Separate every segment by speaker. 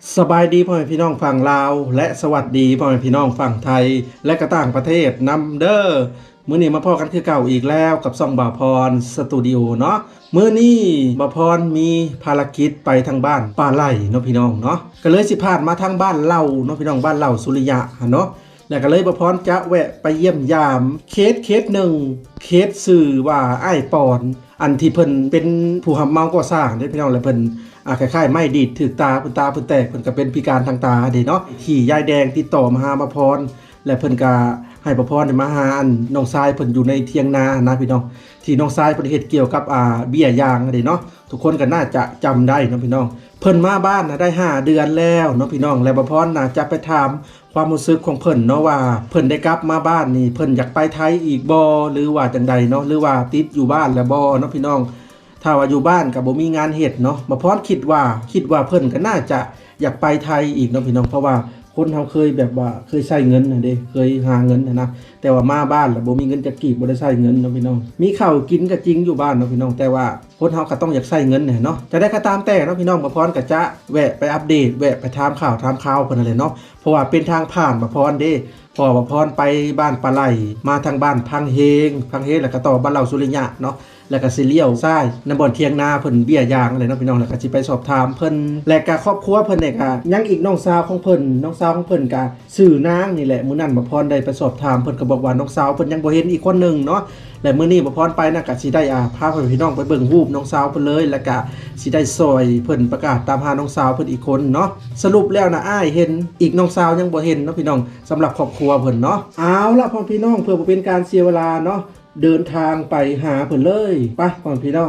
Speaker 1: สบายดีพ่อแม่พี่น้องฝั่งลาวและสวัสดีพ่อแม่พี่น้องฝั่งไทยและก็ต่างประเทศนำเด้อมื้อนี้มาพอกันคือเก่าอีกแล้วกับซ่องบ่าวพรสตูดิโอเนาะมื้อนี้บ่าวพรมีภารกิจไปทางบ้านป่าไร่เนาะพี่น้องเนาะก็เลยสิพาดมาทางบ้านเล่าเนาะพี่น้องบ้านเล่าสุริยะเนาะแล้วก็เลยบ่าวพรจะแวะไปเยี่ยมยามเคสหนึ่งเคสชื่อว่าอ้ายปอนอันที่เพิ่นเป็นผู้รับเหมาก่อสร้างเด้พี่น้องและเพิ่นคล้ายๆไม่ดีดถึกตาเพิ่นแตกเพิ่นก็เป็นพิการทางตาเด้เนาะที่ยายแดงติดต่อมาหาบ่าวพรและเพิ่นก็ให้บ่าวพรมาหาอันน้องชายเพิ่นอยู่ในเถียงนานะพี่น้องที่น้องชายเพิ่นเฮ็ดเกี่ยวกับเบี้ยยางเด้เนาะทุกคนก็น่าจะจำได้เนาะพี่น้องเพิ่นมาบ้านได้5เดือนแล้วเนาะพี่น้องและบ่าวพรน่าจะไปถามความรู้สึกของเพิ่นเนาะว่าเพิ่นได้กลับมาบ้านนี่เพิ่นอยากไปไทยอีกบ่หรือว่าจังใดเนาะหรือว่าติดอยู่บ้านแล้วบ่เนาะพี่น้องถ้าว่าอยู่บ้านก็บ่มีงานเฮ็ดเนาะบ่าวพรคิดว่าเพิ่นก็น่าจะอยากไปไทยอีกเนาะพี่น้องเพราะว่าคนเฮาเคยแบบว่าเคยใช้เงินน่ะเด้เคยหาเงินนะแต่ว่ามาบ้านแล้วบ่มีเงินจะกีบบ่ได้ใช้เงินเนาะพี่น้องมีข้าวกินก็จริงอยู่บ้านเนาะพี่น้องแต่ว่าคนเฮาก็ต้องอยากใช้เงินเนาะจะได้ก็ตามแต่เนาะพี่น้องบ่พรก็จะแวะไปอัปเดตแวะไปถามข่าวเพิ่นนั่นแหละเนาะเพราะว่าเป็นทางผ่านบ่พรเด้พอบ่พรไปบ้านปลาไหลมาทางบ้านพังเฮงแล้วก็ต่อบ้านเหล่าสุริยะเนาะแล้วก็สิเลี้ยวซ้ายในบ่อนเทียงนาเพิ่นเบี้ยยางอะไรเนาะพี่น้องแล้วก็สิไปสอบถามเพิ่นและก็ครอบครัวเพิ่นเนี่ยก็ยังอีกน้องสาวของเพิ่นก็ชื่อนางนี่แหละมื้อนั้นบ่พรได้ไปสอบถามเพิ่นก็บอกว่าน้องสาวเพิ่นยังบ่เห็นอีกคนนึงเนาะและมื้อนี้บ่พรไปน่ะก็สิได้พาพี่น้องไปเบิ่งรูปน้องสาวเพิ่นเลยแล้วก็สิได้ซอยเพิ่นประกาศตามหาน้องสาวเพิ่นอีกคนเนาะสรุปแล้วนะอ้ายเห็นอีกน้องสาวยังบ่เห็นเนาะพี่น้องสำหรับครอบครัวเพิ่นเนาะเอาล่ะพ่อพี่น้องเพื่อบ่เป็นการเสียเวลาเนาะเดินทางไปหาเพิ่นเลยไปพ่อพี่น้อง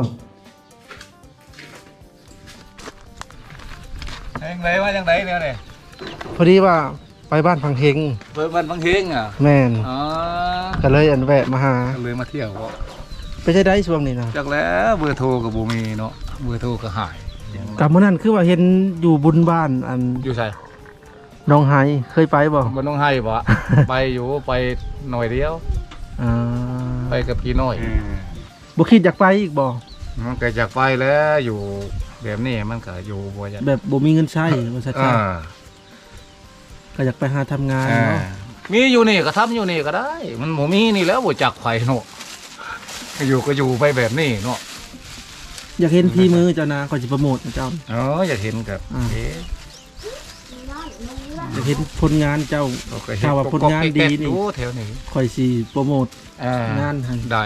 Speaker 2: ยังไงว่ายังไงเนี่ยเนี่ย
Speaker 1: พอดีว่าไปบ้านพังเฮง
Speaker 2: เปิดวันบางเฮงอ่ะ
Speaker 1: แม่น
Speaker 2: อ๋อ
Speaker 1: ก็เลยอันแวะมาหา
Speaker 2: เลยมาเที่ยวก็
Speaker 1: ไปใช้ได้ช่วงนี้นะ
Speaker 2: จากแล้วเบอร์โทรกับบูมีเนาะเบอร์โทรก็หาย
Speaker 1: กับมื้อนั้นคือว่าเห็นอยู่บุญบ้านอัน
Speaker 2: อยู่ใช่
Speaker 1: น้องไฮเคยไปบ่
Speaker 2: มันต้องให้บ่ ไปอยู่ไปหน่อยเดียว
Speaker 1: อ่า
Speaker 2: ไปกับพี่น้อย
Speaker 1: บ่คิดอยากไปอีกบ่
Speaker 2: มันก็จากไปแล้วอยู่แบบนี้มันก็อยู่บ่อยาก
Speaker 1: แบบบ่มีเงินใช้ว่าซั่น
Speaker 2: อ่า
Speaker 1: ก็อยากไปหาทำงาน
Speaker 2: อ่า
Speaker 1: เนาะ
Speaker 2: มีอยู่นี่ก็ทำอยู่นี่ก็ได้ มันบ่มีนี่แล้วบ่จักไผเนาะก็อยู่ไปแบบนี้เนาะ
Speaker 1: อยากเห็นพี่มือเจ้านะก่อนสิโปรโมทเจ้า
Speaker 2: อ๋ออยากเห็นกับเอ๊ะ
Speaker 1: อยากเห็นผลงานเจ้า
Speaker 2: เราก็เห็น
Speaker 1: ถ้าว่าผลงานดีนี่
Speaker 2: โอ้แถวนี้
Speaker 1: ค่อยสิโปรโมทงานให้
Speaker 2: ได้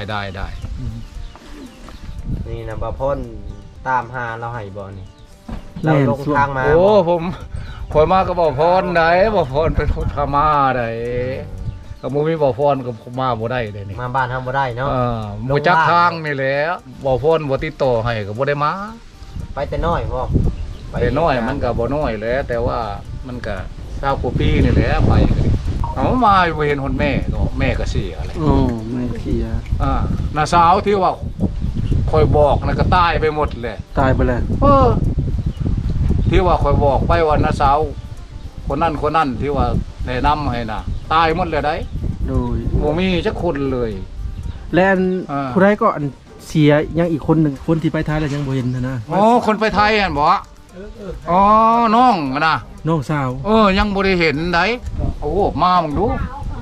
Speaker 3: นี่นะบ่พ่นตามหาเราให้บ่นี่
Speaker 1: แม่
Speaker 3: เรา
Speaker 1: น
Speaker 3: ลง
Speaker 1: ส่วน
Speaker 3: ทางมา
Speaker 2: โอ้ผมมาก็บอกพรได้บอกพรเป็นคนพม่าได้ก็บ่มีบอกพรก็มาบ่ได้เลยนี่
Speaker 3: มาบ้านทำบ่ได้เนาะ
Speaker 2: บ่จักทางนี่แหละบอกพรบ่ติดต่อให้ก็บ่ได้มา
Speaker 3: ไปแต่น้อยพ่อ
Speaker 2: แต่น้อยมันก็บ่น้อยแหล้วแต่ว่ามันก็20กว่าปีนี่แหละไปก็ดิเอามาบ่เห็นคนแม่ก็แม่ก็เสียอะไร
Speaker 1: โอ้ไม่เคลียร์
Speaker 2: น้าสาวที่ว่าคอยบอกน่ะก็ตายไปหมดเลย
Speaker 1: ตายไปแล้ว
Speaker 2: ที่ว่าคอยบอกไปว่าน้าสาวคนนั้นที่ว่าแนะนำให้น่ะตายหมดเลยได้
Speaker 1: โดย
Speaker 2: บ่มีจักคนเลย
Speaker 1: และอัน
Speaker 2: อ่า
Speaker 1: ผู้ใดก็อันเสียยังอีกคนหนึงคนที่ไปท้ายแล้วยังบ่เห็นนะ
Speaker 2: อ๋อคนไปไทยหั่นบ่อ๋อน้องอะนะ
Speaker 1: น้องสาว
Speaker 2: ยังบ่ได้เห็นได้โอ้มามึงดู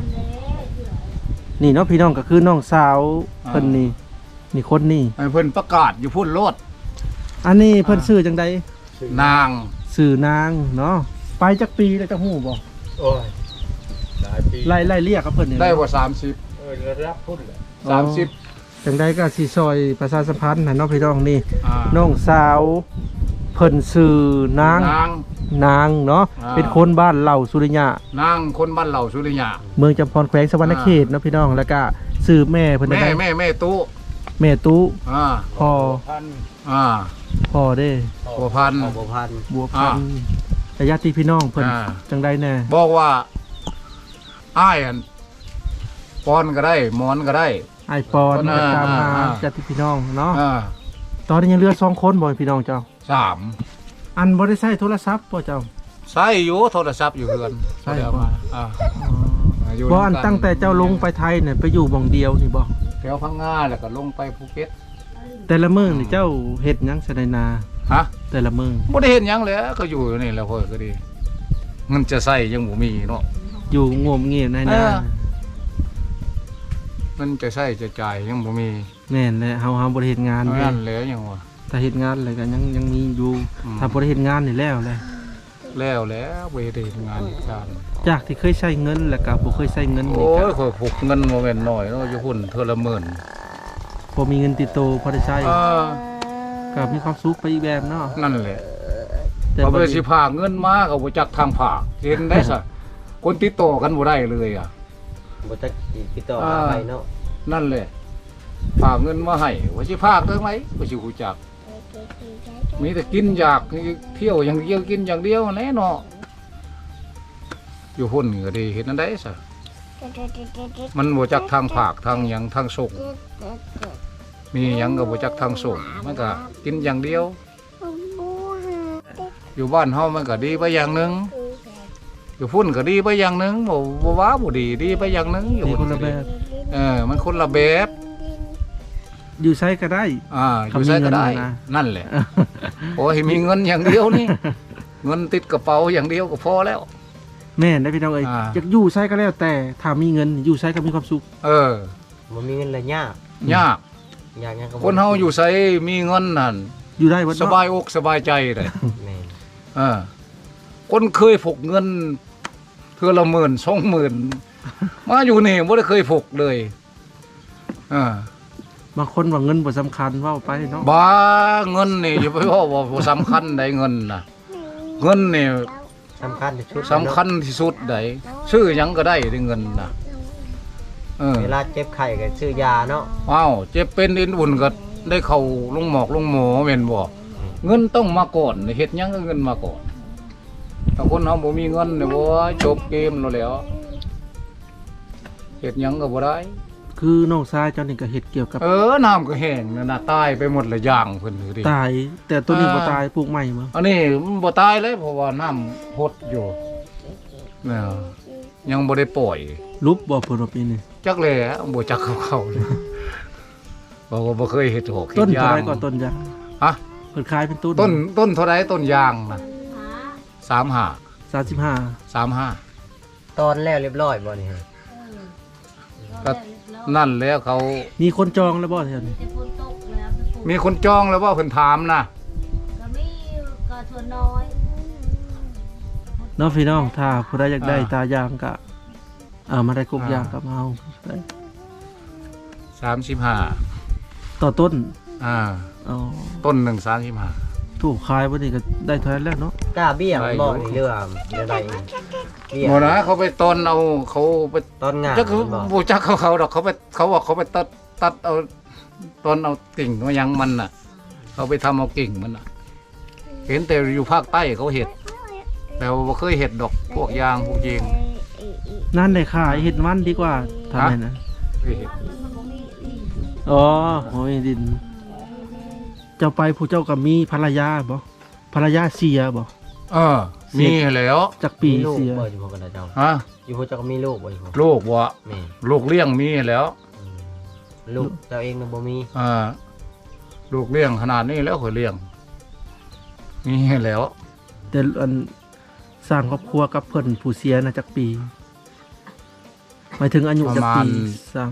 Speaker 1: นี่เนาะพี่น้องก็คือน้องสาวเพิ่นนี่คนนี่
Speaker 2: ให้เพิ่นประกาศอยู่พุ่นโลด
Speaker 1: อันนี้เพิ่นชื่อจังใด
Speaker 2: นาง
Speaker 1: ชื่อนางเนาะไปจักปีแล้วจักฮู้บ่
Speaker 3: โอ้ยหลายปี
Speaker 1: ไล่เรียกกับเพิ่นนี่
Speaker 2: ได้บ่30
Speaker 3: ระดับพุ่นแหละ
Speaker 2: 30
Speaker 1: จังใดก็สิซอยประชาสัมพันธ์ให้เนาะพี่น้องนี่
Speaker 2: อ่า
Speaker 1: น้องสาวเพิ่นชื่อนางเนาะ
Speaker 2: อ่า
Speaker 1: เป็นคนบ้านเหล่าสุริยะ
Speaker 2: นางคนบ้านเหล่าสุริยา
Speaker 1: เมืองจำพรแขวงสวรรณเขตเนาะพี่น้องแล้วก็ชื่อแม่เพิ่น
Speaker 2: แม่
Speaker 1: ได้
Speaker 2: แม่ตู้
Speaker 1: แม่ตู้
Speaker 2: อ่า
Speaker 1: พ่อ
Speaker 2: อ่า
Speaker 1: พ่อเด้
Speaker 2: บัวพันธุ์
Speaker 3: บ่พัน
Speaker 1: บัวพันธุ์แต่ญาติพี่น้องเพิ่น
Speaker 2: อ่า
Speaker 1: จังใดแน่
Speaker 2: บอกว่าอ้ายอันปอนก็ได้หมอนก็ได้
Speaker 1: ไอ้ายปอน
Speaker 2: คน
Speaker 1: ก็ตามมา
Speaker 2: อ่า
Speaker 1: ญาติพี่น้องเนาะ
Speaker 2: อ่า
Speaker 1: ตอนนี้ยังเหลือ2คนบ่พี่น้องเจ้า
Speaker 2: 3
Speaker 1: อันบ่ได้ใช้โทรศัพท์บ่เจ้า
Speaker 2: ใช้อยู่โทรศัพท์อยู่เฮือน
Speaker 1: ใช่
Speaker 2: เดี๋ยวมาอยู่
Speaker 1: บ่อัน
Speaker 2: ด้วยกั
Speaker 1: ตั้งแต่เจ้าลงไปไทยเนี่ยไปอยู่หม่องเดียวนี่บ่
Speaker 2: แถวพังงาแล้วก็ลงไปภูเก็ต
Speaker 1: แต่ละมื้อนี่เจ้าเฮ็ดหยังซะในนา
Speaker 2: ฮะ
Speaker 1: แต่ละมื้อ
Speaker 2: บ่ได้เห็นหยังเลยก็อยู่นี่แหล้วค่อยก็ดีเงินจะใช้ยังบ่มีเนาะ
Speaker 1: อยู่งมเงียบใน
Speaker 2: เอ
Speaker 1: นา
Speaker 2: อ เงินจะใช้จะจ่ายยังบ่มี
Speaker 1: แม่นแหละเฮาบ่ได้เฮ็ดงานเด้
Speaker 2: นั่นแหละยังว่า
Speaker 1: ถ้าเฮ็ดงานอะไรก็ยังมีอยู่
Speaker 2: อืม
Speaker 1: ถ้าบ่ได้เฮ็ดงานนี่แล้วแหละ
Speaker 2: แล้วบ่ได้เฮ็ดงานอีกการ
Speaker 1: จากที่เคยใช้เงินแล้วก็บ่เคยใช้เงินนี่
Speaker 2: โอ้
Speaker 1: ก็
Speaker 2: ยข่อยพกเงินบ่แม่นน้อยเนาะอยู่หุ่นเทื่อละหมื่น
Speaker 1: พอมีเงินติดตัวพอได้ใช้
Speaker 2: เออ
Speaker 1: ก็มีความสุขไปอีกแบบเนาะ
Speaker 2: นั่นแหละ
Speaker 1: แต่
Speaker 2: เขา
Speaker 1: บ่
Speaker 2: ไป
Speaker 1: ได้
Speaker 2: สิพากเงินมาก็บ่จักทางผากเห็นได้ซะคนติดต่อกันบ่ได้เลยอ่ะ
Speaker 3: บ่จักติดต่อหาไปเนาะ
Speaker 2: นั่นแหละฝากเงินมาให้ว่าสิพากได้ไหมว่าสิฮู้จัก มีแต่กินอยากเที่ยวอย่างเดียวกินอย่างเดียวแน่เนาะอยู่หุ่นก็ดีเห็นนั่นได้ซะมันบ่จักทางผากทางหยังทางส่งมีหยังก็บ่จักทางส่งมันก็กินอย่างเดียว อยู่บ้านเฮามันก็ดีไปอย่างหนึงอยู่พุ่นก็ดีไปอย่างหนึงบ่ว่าบ่ดีไปอย่างหนึงอยู่
Speaker 1: มี
Speaker 2: พุ่
Speaker 1: คนละแบบ
Speaker 2: มันคนละแบบ
Speaker 1: อยู่ใช้ก็ได้
Speaker 2: อยู่ใช้ก็ได้
Speaker 1: เขามีเงินนะ
Speaker 2: นั่นแหละโอ้ยมีเงินอย่างเดียวนี่ เงินติดกระเป๋าอย่างเดียวก็พอแล้ว
Speaker 1: แม่นได้พี่น้องเอ้ย
Speaker 2: อ่า
Speaker 1: อยากอยู่ใช้ก็แล้วแต่ถ้ามีเงินอยู่ใช้ก็มีความสุข
Speaker 2: เออ
Speaker 3: บ่มีเงินเลยยาก
Speaker 2: ยาก
Speaker 3: ยากหยังก็บ่
Speaker 2: คนเฮาอยู่ใช้มีเงินนั่น
Speaker 1: อยู่ได้บ่
Speaker 2: ส
Speaker 1: เนาะ
Speaker 2: บายอกสบายใจเลย
Speaker 3: แม่น
Speaker 2: คนเคยพกเงินเทื่อละ10,000 20,000มาอยู่นี่บ่ได้เคยพกเลยเออบ
Speaker 1: างคนว่าเงินบ่สำคัญเว้าไปเนาะ
Speaker 2: บ้าเงินนี่อย่าไปว่าบ่สำคัญใดเงินน่ะเงินนี่
Speaker 3: สำคัญที่สุด
Speaker 2: สำคัญที่สุดใดซื้อหยังก็ได้ได้เงินน่ะ
Speaker 3: เวลาเจ็บไข้ก็ซื้อยาเนาะ
Speaker 2: อ้าวเจ็บเป็นอินอุ่นก็ได้เข้าลงหมอกลงหมอแม่นบ่เงินต้องมาก่อนเฮ็ดหยังก็เงินมาก่อนถ้าคนเฮาบ่มีเงินเนี่ยบ่จบเกมแล้วแหล้วเฮ็ดหยังก็บ่ได้
Speaker 1: คือน้องชายเจ้านี่ก็เฮ็ดเกี่ยวกับ
Speaker 2: น้ำก็แห้งนั่นน่ะตายไปหมดละอย่างเพิ่นอยู่ดิ
Speaker 1: ตาย แต่ตัวนี้บ่ตายปลูกใหม่บ่
Speaker 2: อันนี้มันบ่ตายเลยเพราะว่าน้ำพดอยู่เนี่ยยังบ่ได้ปล่อย
Speaker 1: ลุบบ่เพิ่นว่าปีนี้
Speaker 2: จักแลบ่จักเขาเลยบอกว่าบ่เคยเฮ็ดหอกเฮ็
Speaker 1: ต้น
Speaker 2: ด
Speaker 1: เท่าย
Speaker 2: าง
Speaker 1: ไรก่อนต้นยาง
Speaker 2: ฮะ
Speaker 1: เพิ่นขายเป็นต้น
Speaker 2: ต้นเท่าไรต้นยางนะ35
Speaker 1: 35
Speaker 3: ตอนแล้วเรียบร้อยบ่นี่ฮะ
Speaker 2: ก็นั่นแล้วเขา
Speaker 1: มีคนจองแล้วบ่แถวนี้
Speaker 2: มีคนจองแล้วว่าเพิ่นถามนะ
Speaker 4: ก็มีก็ส่วนน้อย
Speaker 1: เนาะพี่น้องถ้าผู้ใดอยากได้ตายางก็มาได้กบยางกับเฮาได้
Speaker 2: 35
Speaker 1: ต่อต้น
Speaker 2: อ่า
Speaker 1: อ๋อ
Speaker 2: ต้นหนึ่ง35
Speaker 1: ถูกขายบ่นี่ก็ได้เท่านั้นแล้วเนาะ
Speaker 3: กล้าเบี้ยมันบ่
Speaker 2: ได้อยู่
Speaker 3: นี่เรื่องเดี๋ยวใดเองเบี้ย
Speaker 2: บ่นะเขาไปตอนเอาเขาไป
Speaker 3: ตอนงาน
Speaker 2: จัก
Speaker 3: มันบ่
Speaker 2: บ่จักเขาดอกเขาบอกเขาไปตัดเอาตอนเอากิ่งมายังมันน่ะ เขาไปทำเอากิ่งมันน่ะ เห็นแต่อยู่ภาคใต้เขาเห็ดแต่ว่าบ่เคยเห็ดดอกพวกยางพวกยิง
Speaker 1: นั่นได้ขายเฮ็ดมันดีกว่าทำไมนะ
Speaker 2: เคยเห็ด
Speaker 1: อ๋อโอ้ยดิน เจ้าไปผู้เจ้าก็มีภรรยาบ่ภรรยาเสียบ่
Speaker 2: มีแล้ว
Speaker 1: จักปี
Speaker 3: มีลูก
Speaker 1: เสีย
Speaker 3: บ่อยู่พวกกันนะเจ้า
Speaker 2: ฮะ
Speaker 3: อยู่พวกเจ้าก็มีลูกบ่อยู่พวก
Speaker 2: ลูกบ่
Speaker 3: แม่
Speaker 2: ลูกเลี้ยงมีแล้ว
Speaker 3: ลูกเจ้าเองน่ะบ่มี
Speaker 2: ลูกเลี้ยงขนาดนี้แล้วเคยเลี้ยงมีแล้ว
Speaker 1: แต่อันสร้างครอบครัวกับเพิ่นผู้เสียนะจักปีหมายถึงอายุจักปีสร้าง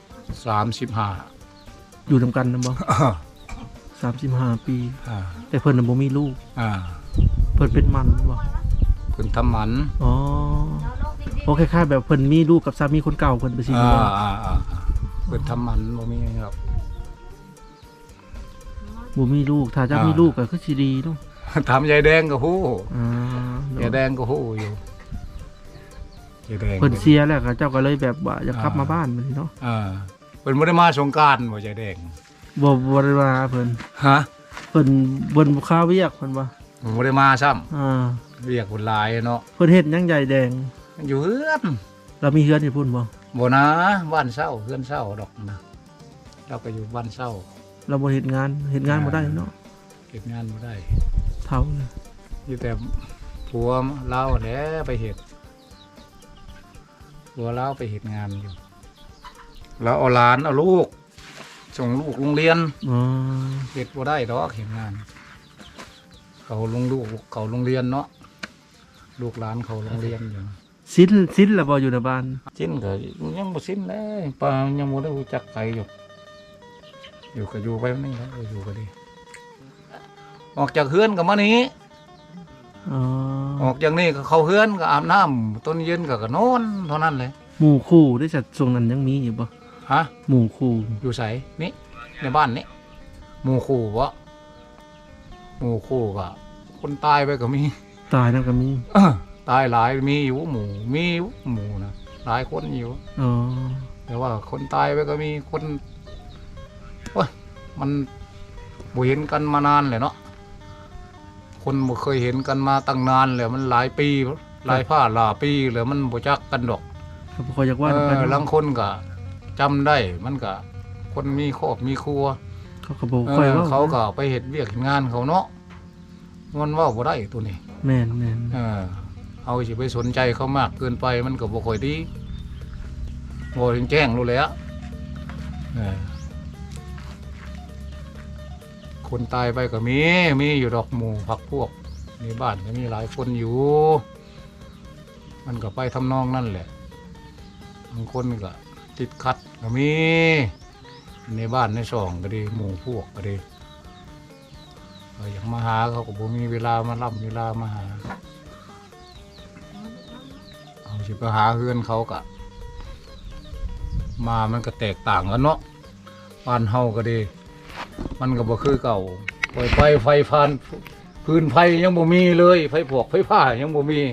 Speaker 2: 35
Speaker 1: อยู่นํกันนะบ่35 ปี แต่เพิ่นน่ะบ่มีลูก เพิ่นเป็นมันบ่
Speaker 2: เพิ่นทำหมัน
Speaker 1: อ๋อโอเคค่ายๆแบบเพิ่นมีลูกกับสามีคนเก่าเพิ่นไปสิบ่
Speaker 2: เพิ่นทำหมันบ่มีครับ
Speaker 1: บ่มีลูกถ้าจะมีลูกก็คือสิดีเนาะ
Speaker 2: ถามยายแดงก็ฮู้
Speaker 1: อ่าย
Speaker 2: ายแดงก็ฮู้อยู่ยายแดง
Speaker 1: เพิ่นเสียแล้วก็เจ้าก็เลยแบบว่าอยากกลับมาบ้านบัดนี้เนาะ
Speaker 2: เพิ่นบ่ได้มาสงกรานต์บ่ยายแดง
Speaker 1: บ่ได้มาเพิ่น
Speaker 2: ฮะ
Speaker 1: เพิ่นบ่ค้าเวียกเพิ่นว่า
Speaker 2: บ่ได้มาซ้ำเรียกคนหลายเนาะ
Speaker 1: เพิ่นเฮ็ดหยังใหญ่แดง
Speaker 2: อยู่เฮือน
Speaker 1: เรามีเฮือนอยู่พุ่นบ่
Speaker 2: บ่นะบ้านเช่าเฮือนเช่าดอกนะเราก็อยู่บ้านเช่า
Speaker 1: เราบ่เฮ็ดงานบ่ได้เนาะ
Speaker 2: เฮ็ดงานบ่ได้
Speaker 1: เท่าเลย
Speaker 2: มีแต่ผัวเราแหละไปเฮ็ดผัวเราไปเฮ็ดงานอยู่แล้วเอาหลานเอาลูกส่งลูกโรงเรียน
Speaker 1: อ๋อ
Speaker 2: เฮ็ดบ่ได้ดอกเฮ็ดงานเขาลงลูกเขาโรงเรียนเนาะลูกหลานเขาโรงเรียนอยู่
Speaker 1: สิ้นแล้วบ่อยู่ในบ้าน
Speaker 2: สิ้นก็ยังบ่สิ้นเลยป้ายังบ่ได้รู้จักใครอยู่ก็อยู่ไปนี่แหละอยู่ก็ดีออกจากเฮือนก็มานี้
Speaker 1: อ๋อ
Speaker 2: ออกจากนี่ก็เข้าเฮือนก็อาบน้ำต้นเย็นก็นอนเท่านั้นเลย
Speaker 1: หมู่คู่ได้จัดช่วงนั้นยังมีอยู่บ่
Speaker 2: ฮะ
Speaker 1: หมู่คู่
Speaker 2: อยู่ไสนี่ในบ้านนี่หมู่คู่บ่หมู่คู่ก็คนตายไปก็มี
Speaker 1: ตายนั่นก็มี
Speaker 2: ตายหลายมีอยู่หมู่มีอยู่หมู่นะหลายคนอยู่
Speaker 1: อ๋อ
Speaker 2: แต่ว่าคนตายไปก็มีคนว่ามันบ่เห็นกันมานานเลยเนาะคนบ่เคยเห็นกันมาตั้งนานเลยมันหลายปีหลายผ้าหลายปีเลยมันบ่จักกันดอก
Speaker 1: เขาบ่ค่อยอยากว่ากัน
Speaker 2: ลังคนก็จำได้มันก็คนมีครอบมีครัว
Speaker 1: เขาก็บ่ค่อยว่า
Speaker 2: เขาก็ไปเฮ็ดเวียกเฮ็ดงานเขาเนาะมันเว้าบ่ได้ตัวนี้
Speaker 1: แม่น
Speaker 2: เอาสิไปสนใจเขามากเกินไปมันก็บ่ค่อยดีบ่แจ้งรู้แล้วคนตายไปก็มีอยู่ดอกหมู่พักพวกในบ้านก็มีหลายคนอยู่ มันก็ไปทำนองนั่นแหละบางคนก็ติดขัดก็มีในบ้านในช่องก็ดีหมู่พวกก็ดีอยากมาหาเขาก็บ่มีเวลามารับเวลามาหาเอาสิไปหาเฮือนเขาก็มามันก็แตกต่างกันเนาะบ้านเฮาก็ดีมันก็บ่คือเก่าปล่อยไฟฟันพื้นไฟยังบ่มีเลยไฟพวกไฟผ้ายังบ่มี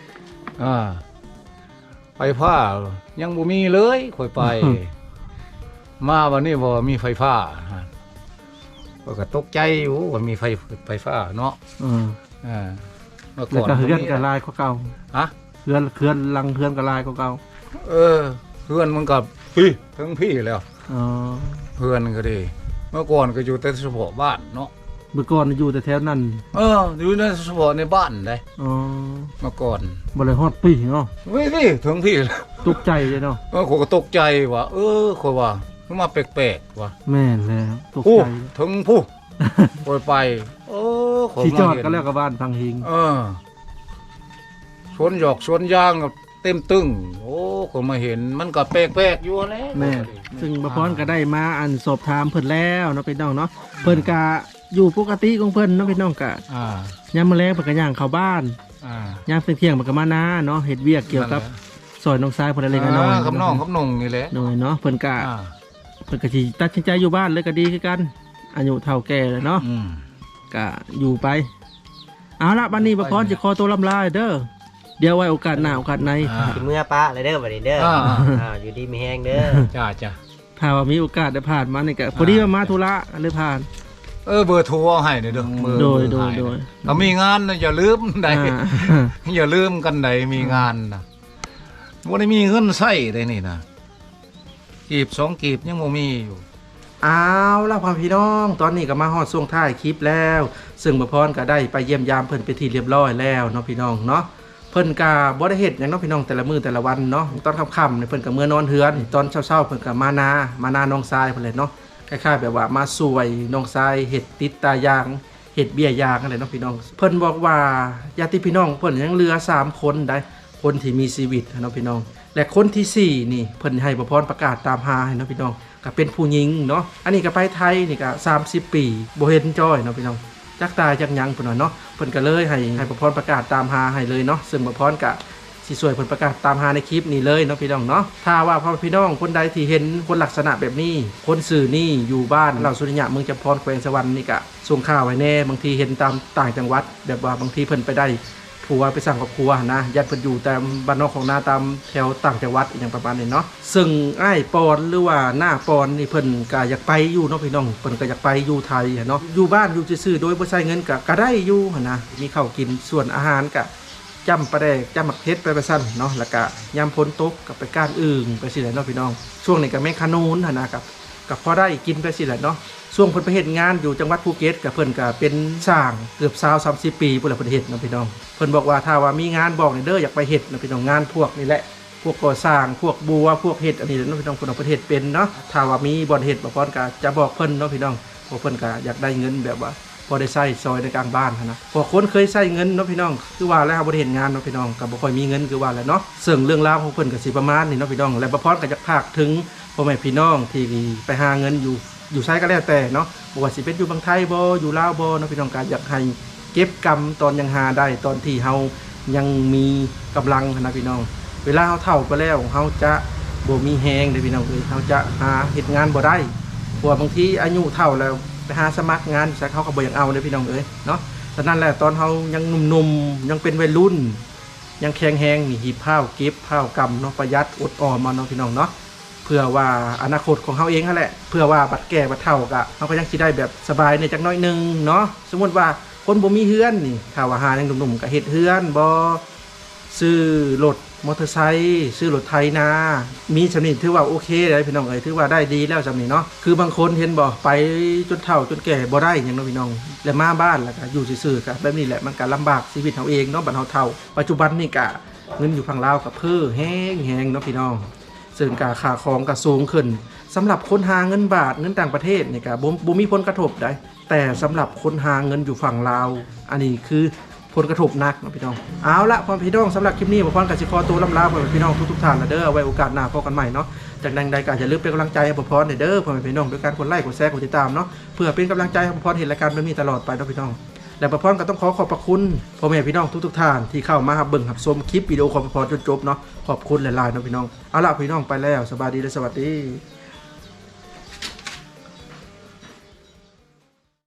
Speaker 2: ไฟฟ้ายังบ่มีเลยค่อยไป มาวันนี้บ่มีไฟฟ้าก็ตกใจอยู่ว่ามีไฟฟ้าเนาะเมื่อ
Speaker 1: แล้ว
Speaker 2: ก่อน
Speaker 1: ก็เฮือนก็ลายกว่าเก่า
Speaker 2: ฮะ
Speaker 1: เฮือนหลังเฮือนก็ลายกว่าเก่า
Speaker 2: เพื่อนมันกับพี่ทั้งพี่แล้ว
Speaker 1: อ๋อ
Speaker 2: เพื่อนก็ดี เมื่อก่อนก็อยู่แต่เฉพาะบ้านเนาะ
Speaker 1: เมื่อก่อนอยู่แต่แถวนั้น
Speaker 2: อยู่ในเฉพาะในบ้านได้
Speaker 1: อ๋อ
Speaker 2: เมื่อก่อน
Speaker 1: บ่ได้ฮอดปีเนาะ
Speaker 2: ไม่พี่ถึงพี่แล้ว
Speaker 1: ตกใจเลยเนาะ
Speaker 2: คนก็ตกใจว่าคนว่ามันมาแปลกๆว่ะ
Speaker 1: แม่นแล้วตก
Speaker 2: ผู้
Speaker 1: ใจ
Speaker 2: ถึงผู้ไปคน
Speaker 1: สิจอด
Speaker 2: มาเห็น
Speaker 1: ก็แล้วกับบ้านพังหิง
Speaker 2: สวนหยอกสวนยางก็เต็มตึ้งคนมาเห็นมันก็แปลกๆอยู่แล้ว
Speaker 1: แม่ซึ่งบ่พรก็ได้มาอันสอบถามเพิ่นแล้วเนาะพี่น้องเนาะเพิ่นก็อยู่ปกติของเพิ่นเนาะพี่น้องก็ ยามมื้อแลงเพิ่นก็ย่างเข้าบ้านยามเที่ยงๆเพิ่นก็มานาเนาะเฮ็ดเวียกเกี่ยวกับซอยน้องชายเพิ่นเล็กน้อย
Speaker 2: กับน้องกับนงนี่แหละ
Speaker 1: น้อยเนาะเพิ่นก็สิตัดสินใจอยู่บ้านเลยก็ดีคือกันอายุเท่าแก่แล้วเนาะก็อยู่ไปเอาละบัดนี้บ่พรสิขอตัวลำลาเด้อเดี๋ยวไว้โอกาสหน้าโอกาสใน
Speaker 3: สิเมื่อปะเลยเด้อบัดนี้เด้ออยู่ดีมีแฮงเด้อ
Speaker 2: จ้า
Speaker 1: ถ้าว่ามีโอกาสได้ผ่านมานี่ก็พอดีว่ามาธุระเลยผ่าน
Speaker 2: เบอร์โทรเอาให้เด้อเบอร์
Speaker 1: โดย
Speaker 2: ถ้ามีงานนะอย่าลืมใด อย่าลืมกันใดมีงานนะบ่ได้มีเงินใช้ได้นี่นะกีบ2กีบยังบ่มีอยู่
Speaker 1: เอาล่ะพ่อพี่น้องตอนนี้ก็มาฮอดช่วงท้ายคลิปแล้ว ซึ่งบ่พรก็ได้ไปเยี่ยมยามเพิ่นไปนที่เรียบร้อยแล้วเนาะพี่น้องเนาะเพิ่นก็บ่ได้เฮ็ดหยังเนาะพี่น้องแต่ละมื้อแต่ละวันเนาะตอนค่ำๆเนี่ยเพิ่นก็เมื่อนอนเฮือนตอนเช้าๆเพิ่นก็มานาน้องทรายเพิ่นเลยเนาะคล้ายๆแบบว่ามาช่วยน้องทรายเฮ็ดติดตายางเฮ็ดเบี้ยยางอะไรเนาะพี่น้องเพิ่นบอกว่าญาติพี่น้องเพิ่นยังเหลือ3คนได้คนที่มีชีวิตเนาะพี่น้องและคนที่4นี่เพิ่นให้บ่พรประกาศตามหาให้เนาะพี่น้องก็เป็นผู้หญิงเนาะอันนี้ก็ไปไทยนี่ก็30 ปีบ่เห็นจ้อยเนาะพี่น้องจักตายจักหยังเพิ่นว่าเนาะเพิ่นก็เลยให้บ่พรประกาศตามหาให้เลยเนาะซึ่งบ่พรก็สิช่วยเพิ่นประกาศตามหาในคลิปนี้เลยเนาะพี่น้องเนาะถ้าว่าพ่อพี่น้องคนใดที่เห็นคนลักษณะแบบนี้คนสื่อนี่อยู่บ้านเราสุริยะเมืองจำพรแขวงสวรรค์นี่ก็ส่งข่าวไว้แน่บางทีเห็นตามต่างจังหวัดแบบว่าบางทีเพิ่นไปได้ผัวไปสั่งกับครัวนะญาติเพิ่นอยู่ตามบ้านนอกของนาตามแถวต่างจังหวัดอย่างประมาณนี้เนาะซึ่งอ้ายปอนหรือว่าหน้าปอนนี่เพิ่นก็อยากไปอยู่เนาะพี่น้องเพิ่นก็อยากไปอยู่ไทยเนาะอยู่บ้านอยู่ซื่อๆโดยบ่ใช้เงินก็ได้อยู่หั่นนะมีข้าวกินส่วนอาหารก็จำปลาแดกจำหมักเพชรไปซั่นเนาะแล้วก็ยามฝนตกก็ไปก้านอึ่งไปสิแหละเนาะพี่น้องช่วงนี้ก็แม่งขนูนหั่นนะกับพอได้กินไปสิแหละเนาะช่วงเพิ่นไปเฮ็ดงานอยู่จังหวัดภูเก็ตกับเพิ่นก็เป็นสร้างเกือบ20-30 ปีพุ่นละเพิ่นเฮ็ดเนาะพี่น้องเพิ่นบอกว่าถ้าว่ามีงานบอกนี่เด้ออยากไปเฮ็ดเนาะพี่น้องงานพวกนี่แหละพวกก่อสร้างพวกบัวพวกเฮ็ดอันนี้เนาะพี่น้องเพิ่นเอาไปเฮ็ดเป็นเนาะถ้าว่ามีบ่อนเฮ็ดบ่พรก็จะบอกเพิ่นเนาะพี่น้องเพราะเพิ่นก็อยากได้เงินแบบว่าพอได้ใช้ซอยในกลางบ้านหั้นนะพอคนเคยใช้เงินเนาะพี่น้องคือว่าแล้วบ่ได้เห็นงานเนาะพี่น้องก็บ่ค่อยมีเงินคือว่าแหละเนาะซึ่งเรื่องราวของเพิ่นก็สิประมาณนี้เนาะพี่น้องและบ่พรก็อยากพากถึงพ่อแม่พี่น้องที่ไปหาเงินอยู่ไสก็แล้วแต่เนาะบ่ว่าสิเป็นอยู่บางไทยบ่อยู่ลาวบ่เนาะพี่น้องก็อยากให้เก็บกำตอนยังหาได้ตอนที่เฮายังมีกำลังนะพี่น้องเวลาเฮาเฒ่าไปแล้วเฮาจะบ่มีแฮงเด้อพี่น้องเอ้ยเฮาจะหาเฮ็ดงานบ่ได้เพราะว่าบางทีอายุเฒ่าแล้วไปหาสมัครงานซะเขาก็บ่อยากเอาเด้อพี่น้องเอ้ยเนาะฉะนั้นแหละตอนเฮายังหนุ่มๆยังเป็นวัยรุ่นยังแข็งแรงนี่หีบผ้าเก็บผ้ากำเนาะประหยัดอดออมมาเนาะพี่น้องเนาะเพื่อว่าอนาคตของเฮาเองนั่นแหละเพื่อว่าบัดแก่บัดเฒ่าก็เฮาก็ยังสิได้แบบสบายในจักหน่อยนึงเนาะสมมุติว่าคนบ่มีเฮือนนี่ถ้าว่าหายังหนุ่มๆก็เฮ็ดเฮือนบ่ซื้อรถมอเตอร์ไซค์ซื้อรถไถนามีสำนี้ถือว่าโอเคเลยพี่น้องเอ้ยถือว่าได้ดีแล้วสำนี้เนาะคือบางคนเห็นบ่ไปจนเฒ่าจนแก่บ่ได้หยังเนาะพี่น้องแล้วมาบ้านแล้วก็อยู่ซื่อๆก็แบบนี้แหละมันก็ลำบากชีวิตเฮาเองเนาะบัดเฮาเฒ่าปัจจุบันนี่ก็เงินอยู่ฝั่งลาวก็เพ้อแฮงๆเนาะพี่น้องซึ่งค่าของก็สูงขึ้นสำหรับคนหาเงินบาทเงินต่างประเทศนี่ก็บ่มีผลกระทบได้แต่สำหรับคนหาเงินอยู่ฝั่งลาวอันนี้คือผลกระทบหนักนะพี่น้องเอาละพ่อพี่น้องสำหรับคลิปนี้บ่พรกับสิขอตัวลำลาพ่อพี่น้องทุกๆท่านนะเด้อไว้โอกาสหน้าพบกันใหม่เนาะจากใดก็อย่าลืมเป็นกำลังใจให้บ่พรเด้อพ่อพี่น้องด้วยการกดไลค์กดแชร์กดติดตามเนาะเพื่อเป็นกำลังใจให้บ่พรเห็นรายการแบบนี้ตลอดไปเนาะพี่น้องและบ่พรก็ต้องขอบพระคุณพ่อแม่พี่น้องทุกๆท่านที่เข้ามาเบิ่งรับชมคลิปวิดีโอของบ่พรจนจบเนาะขอบคุณหลายๆเนาะพี่น้องเอาละพี่น้องไปแล้วสบายดีและสวัสดี